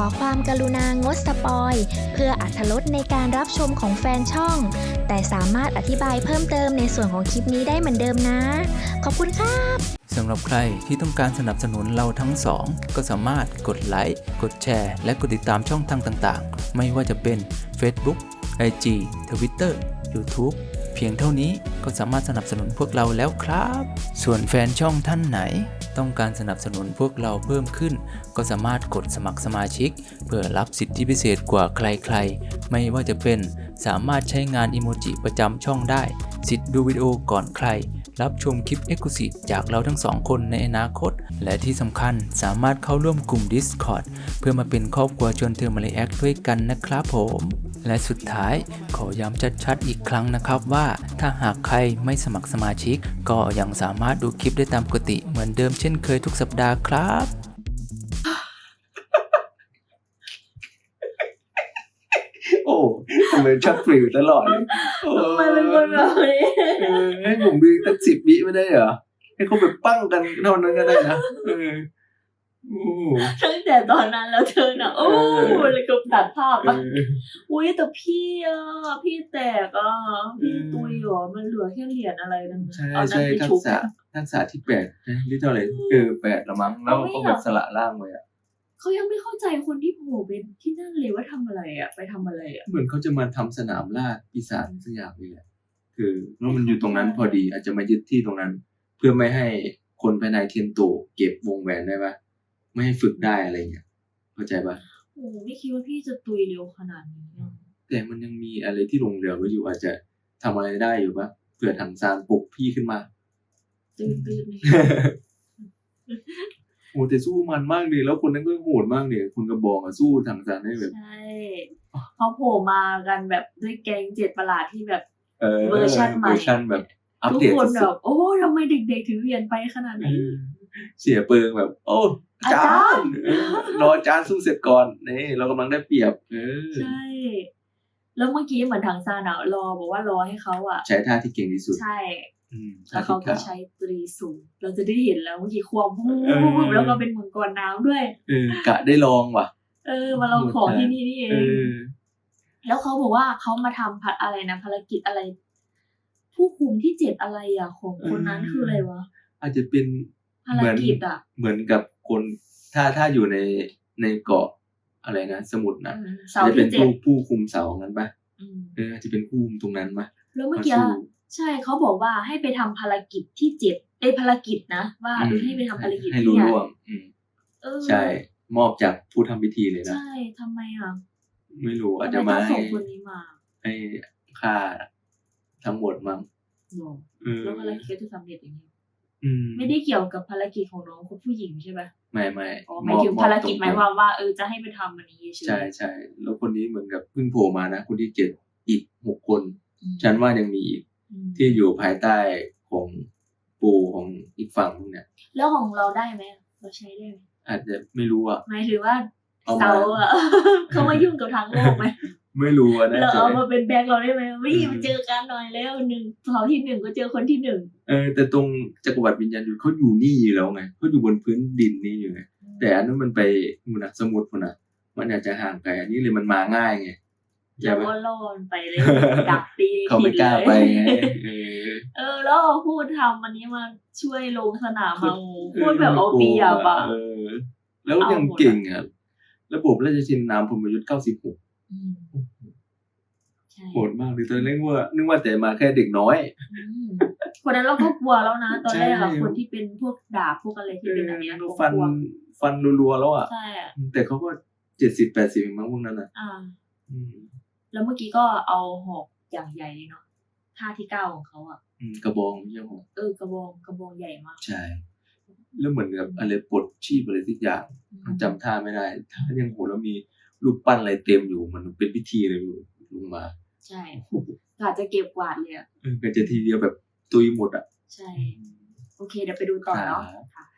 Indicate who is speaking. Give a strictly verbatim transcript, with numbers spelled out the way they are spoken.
Speaker 1: ความกรุณางดสปอยเพื่ออรรถรสในการรับชมของแฟนช่องแต่สามารถอธิบายเพิ่มเติมในส่วนของคลิปนี้ได้เหมือนเดิมนะขอบคุณครับ
Speaker 2: สำหรับใครที่ต้องการสนับสนุนเราทั้งสองก็สามารถกดไลค์กดแชร์และกดติดตามช่องทางต่างๆไม่ว่าจะเป็น Facebook ไอ จี Twitter YouTube เพียงเท่านี้ก็สามารถสนับสนุนพวกเราแล้วครับส่วนแฟนช่องท่านไหนต้องการสนับสนุนพวกเราเพิ่มขึ้นก็สามารถกดสมัครสมาชิกเพื่อรับสิทธิพิเศษกว่าใครๆไม่ว่าจะเป็นสามารถใช้งานอิโมจิประจำช่องได้สิทธิ์ดูวิดีโอก่อนใครรับชมคลิป Exclusive จากเราทั้งสองคนในอนาคตและที่สำคัญสามารถเข้าร่วมกลุ่ม Discord เพื่อมาเป็นครอบครัวชวนเธอมาเลแอคด้วยกันนะครับผมและสุดท้ายขอย้ำชัดๆอีกครั้งนะครับว่าถ้าหากใครไม่สมัครสมาชิกก็ยังสามารถดูคลิปได้ตามปกติเหมือนเดิมเช่นเคยทุกสัปดาห์ครับ
Speaker 3: โอ้ทำไมชอบฟรีตลอดเลย
Speaker 4: ทำไมเป็นคนแบบนี้
Speaker 3: เออให้ผมดูตั้งสิบวิไม่ได้เหรอให้เขาแบบปั้งกันเท่านั้นก็ได้นะเออโอ้
Speaker 4: ตั้งแต่ตอนนั้นแล้วเธอน่ะโอ้เลยก็ตัดภาพอ่ะอุ้ยแต่พี่อ่ะพี่แตกอ่ะพี่ตุยหรอมันเหลือแค่เหรียญอะไรนั่น
Speaker 3: ใช่ใช่ทักษะทักษะที่แปดนะหรือเท่าไหร่เออแปดละมั้งแล้วก็แบบสละล่างไว้อ่ะ
Speaker 4: เขายังไม่เข้าใจคนที่โผล่เป็นที่นั่นเลยว่าทำอะไรอ่ะไปทำอะไรอ่ะ
Speaker 3: เหมือนเขาจะมาทำสนามล่าปีศาจสักอย่างนี่แหละคือแล้วมันอยู่ตรงนั้นพอดีอาจจะมายึดที่ตรงนั้นเพื่อไม่ให้คนภายในเทียนโตเก็บวงแหวนได้ปะไม่ให้ฝึกได้อะไรเงี้ยเข้าใจปะ
Speaker 4: โอ้ไม่คิดว่าพี่จะตุยเร็วขนาดนี้
Speaker 3: แต่มันยังมีอะไรที่ลงเรือไว้อยู่อาจจะทำอะไรได้อยู่ปะเผื่อถังซานปลุกพี่ขึ้นมา
Speaker 4: ตื่นตื่น
Speaker 3: โอ้แต่สู้มันมากเลยแล้วคนนั้นก็โหดมากเลยคนกระบอกอะสู้ถังซานได้แบบ
Speaker 4: ใช่เขาโผล่มากันแบบด้วยแก๊งเจ็ดประหลาดที่แบบ
Speaker 3: เ
Speaker 4: วอร์ชันใหม่
Speaker 3: เวอร์ชันแบบอัป
Speaker 4: ทุก
Speaker 3: เดต
Speaker 4: คนแบบโอ้ทำไมเด็กๆถึงเรียนไปขนาดนี้
Speaker 3: เสียเปิงแบบโอ้อาจารย์รออาจารย์สู้เสร็จก่อนนี่เรากำลังได้เปรียบเออ
Speaker 4: ใช่แล้วเมื่อกี้เหมือนถังซานอะรอบอกว่ารอให้เขาอะ
Speaker 3: ใช้ท่าที่เก่งที่สุด
Speaker 4: ใช่แล้วเขาก็ใช้ตรีสูงเราจะได้เห็นแล้วเมื่อกี้ควบวูบแล้วก็เป็นมังกรน้ำด้วย
Speaker 3: เออกะได้ลองว่ะ
Speaker 4: เออมาลองของที่นี่นี่เองแล้วเขาบอกว่าเขามาทำพัดอะไรนะภารกิจอะไรผู้คุมที่เจ็ดอะไรอ่ะของคนนั้นคืออะไรวะ
Speaker 3: อาจจะเป็น
Speaker 4: ภารกิจอ่ะ
Speaker 3: เหมือนกับคนถ้าถ้าอยู่ในในเกาะอะไรนะสมุทรนะจะเป็นผู้ผู้คุมเสานั้นปะเอออาจจะเป็นผู้คุมตรงนั้นปะ
Speaker 4: แล้วเมื่อกี้ใช่เขาบอกว่าให้ไปทำภารกิจที่เจ็ดไอ้ภารกิจนะว่าเออให้ไปทำภารกิจ
Speaker 3: ให้รู้ร่วมใช่มอบจากผู้ทำพิธีเลยนะ
Speaker 4: ใช่ทำไมอ่ะ
Speaker 3: ไม่รู้อาจจะมา
Speaker 4: ส่งคนนี้มา
Speaker 3: ให้ค่าทั้งหมดมั้ง
Speaker 4: แล้วภารกิจจะสำเร็จอย่างนี้ไม่ได้เกี่ยวกับภารกิจของน้องคนผู้หญิงใช่ไหม
Speaker 3: ไม่ไม่
Speaker 4: หมายถึงภารกิจหมายความว่าเออจะให้ไปทำอันนี้
Speaker 3: ใช่ใช่แล้วคนนี้เหมือนกับเพิ่งโผล่มานะคนที่เจ็ดอีกหกคนฉันว่ายังมีอีกที่อยู่ภายใต้ของปู่ของอีกฝั่งนึงเนี่ย
Speaker 4: แล้วของเราได้ไหมเราใช้ได้ไหม
Speaker 3: อาจจะไม่รู้อ่ะ
Speaker 4: หมายถึงว่าเขาอ่ะเขามายุ่งกับทางโลกไหม
Speaker 3: ไม่รู้อ่ะ
Speaker 4: นะเราเอามาเป็นแบ็คเราได้ไหมไม่มาเจอกันหน่อยแล้วหนึ่งเขาที่หนึ่งก็เจอคนที่หนึ่ง
Speaker 3: เออแต่ตรงจักรวรรดิวิญญาณยุทธเขาอยู่นี่อยู่แล้วไงเขาอยู่บนพื้นดินนี่อยู่ไงแต่อันนั้นมันไปมุนสมุทรมันอ่ะมันอาจจะห่างไกลอันนี้เลยมันมาง่ายไง
Speaker 4: แล้วก็ล่อนไปเลยดักตี
Speaker 3: เขาไม่กล้าไปไง
Speaker 4: เออแล้วพูดทำอันนี้มาช่วยลงสนามมาพูดแบบเอาเปรียบอ่ะ
Speaker 3: แล้วยังเก่งอ่ะระบบราชชินนามพรหมยุทธ์เก้าสิบหกโหดมากเลยตอนแรกว่านึกว่าแต่มาแค่เด็กน้อย
Speaker 4: คนนั้นเราก็กลัวแล้วนะตอนแรกอะคนที่เป็นพวกดาบพวกอะไรที่เป็นอะไร
Speaker 3: นะฟันฟันรัวๆแล้วอ่ะแต่เขาก็เจ็ดสิบแปดสิบมั้งพวกนั้นอ่ะ
Speaker 4: แล้วเมื่อกี้ก็เอาหอกอย่างใหญ่เลยเนาะท่าที่เก้าของเขาอ่ะ
Speaker 3: กระบองใช่ไหม
Speaker 4: เออกระบองกระบองใหญ่มาก
Speaker 3: ใช่แล้วเหมือนกับอะไรปลดชีพอะไรทุกอย่างจำท่าไม่ได้ท่ายังโหแล้วมีรูปปั้นอะไรเต็มอยู่มันเป็นพิธีเลยลงมา
Speaker 4: ใช่อาจจะเก็บกวาดเลยอ่ะ
Speaker 3: เออก็จะทีเดียวแบบตุยหมดอ่ะ
Speaker 4: ใช่โอเคเดี๋ยวไปดูต่อเนาะ